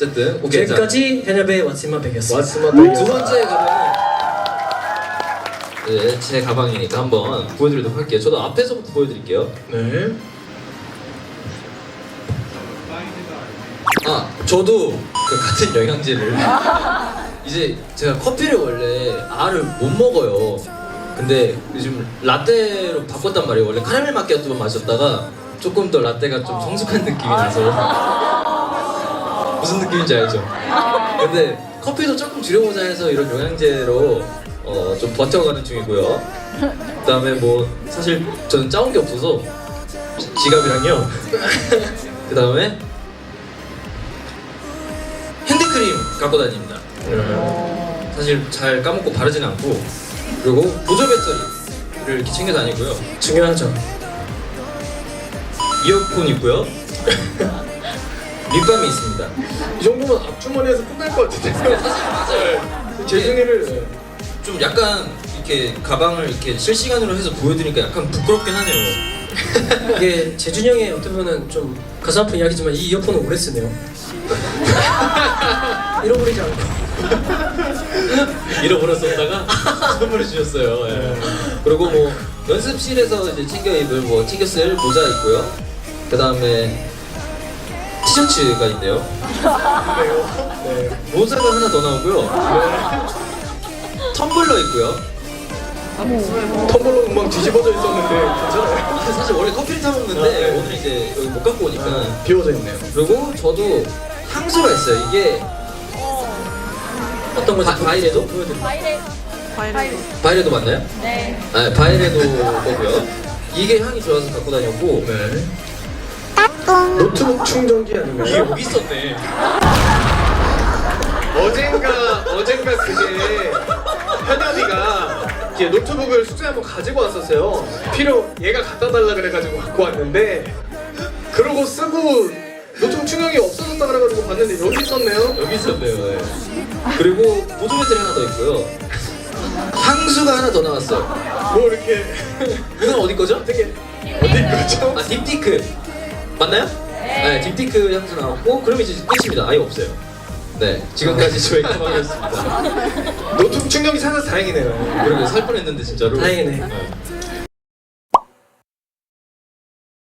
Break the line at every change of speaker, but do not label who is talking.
어쨌든 오케이.
지금까지 현엽의 왓츠마백이었습니다.
두 번째 가방은 네, 제 가방이니까 한번 보여드리도록 할게요. 저도 앞에서부터 보여드릴게요.
네.
아, 저도 그 같은 영양제를 이제 제가 커피를 원래 알을 못 먹어요. 근데 요즘 라떼로 바꿨단 말이에요. 원래 카라멜 마키아토만 마셨다가 조금 더 라떼가 좀 성숙한 느낌이 나서 무슨 느낌인지 알죠? 근데 커피도 조금 줄여보자 해서 이런 영양제로 좀 버텨가는 중이고요. 그다음에 뭐 사실 저는 짜온 게 없어서 지갑이랑요. 그다음에 핸드크림 갖고 다닙니다. 사실 잘 까먹고 바르진 않고, 그리고 보조 배터리를 이렇게 챙겨 다니고요.
중요하죠.
이어폰 있고요. 립밤이 있습니다.
이 정도면 앞주머니에서 끝날 것 같은데.
사실 맞아요.
재중이를
좀 약간 이렇게 가방을 이렇게 실시간으로 해서 보여드리니까 약간 부끄럽긴 하네요.
이게 재준이 형의 어떻게 보면 좀 가슴 아픈 이야기지만 이 이어폰은 오래 쓰네요. 잃어버리지 않고.
잃어버렸었다가 선물해 주셨어요. 예. 그리고 뭐 연습실에서 이제 챙겨 입을 뭐 챙겨 쓸 모자 있고요. 그 다음에 티셔츠가 있네요.
네.
모자가 하나 더 나오고요. 텀블러 있고요.
텀블러 금방 뒤집어져 있었는데 괜찮아요?
사실 원래 커피를 타 먹는데
네.
오늘 이제 여기 못 갖고 오니까.
비워져 있네요.
그리고 저도 향수가 있어요. 이게 어떤 거지? 바이레도? 바이레도 맞나요?
네.
아, 바이레도 거고요. 이게 향이 좋아서 갖고 다녔고.
네. 노트북 충전기 아닌가요?
이게 여기 있었네.
어젠가 그게 현엽이가 이렇게 노트북을 숙소에 한번 가지고 왔었어요. 얘가 갖다 달라 그래가지고 갖고 왔는데 그러고 쓰고 노트북 충전기 없어졌다 그래가지고 봤는데 여기 있었네요.
여기 있었네요. 네. 그리고 보조 배터리 하나 더 있고요. 향수가 하나 더 나왔어요.
뭐 이렇게
이건 어디 거죠?
되게 어디 거죠?
아, 딥티크 맞나요? 네, 딥티크 향수 나왔고, 그럼 이제 끝입니다. 아예 없어요. 네, 지금까지 저희 가방이었습니다.
노트북 충전기 찾아서 다행이네요.
그러게 살 뻔했는데 진짜로.
다행이네.
네.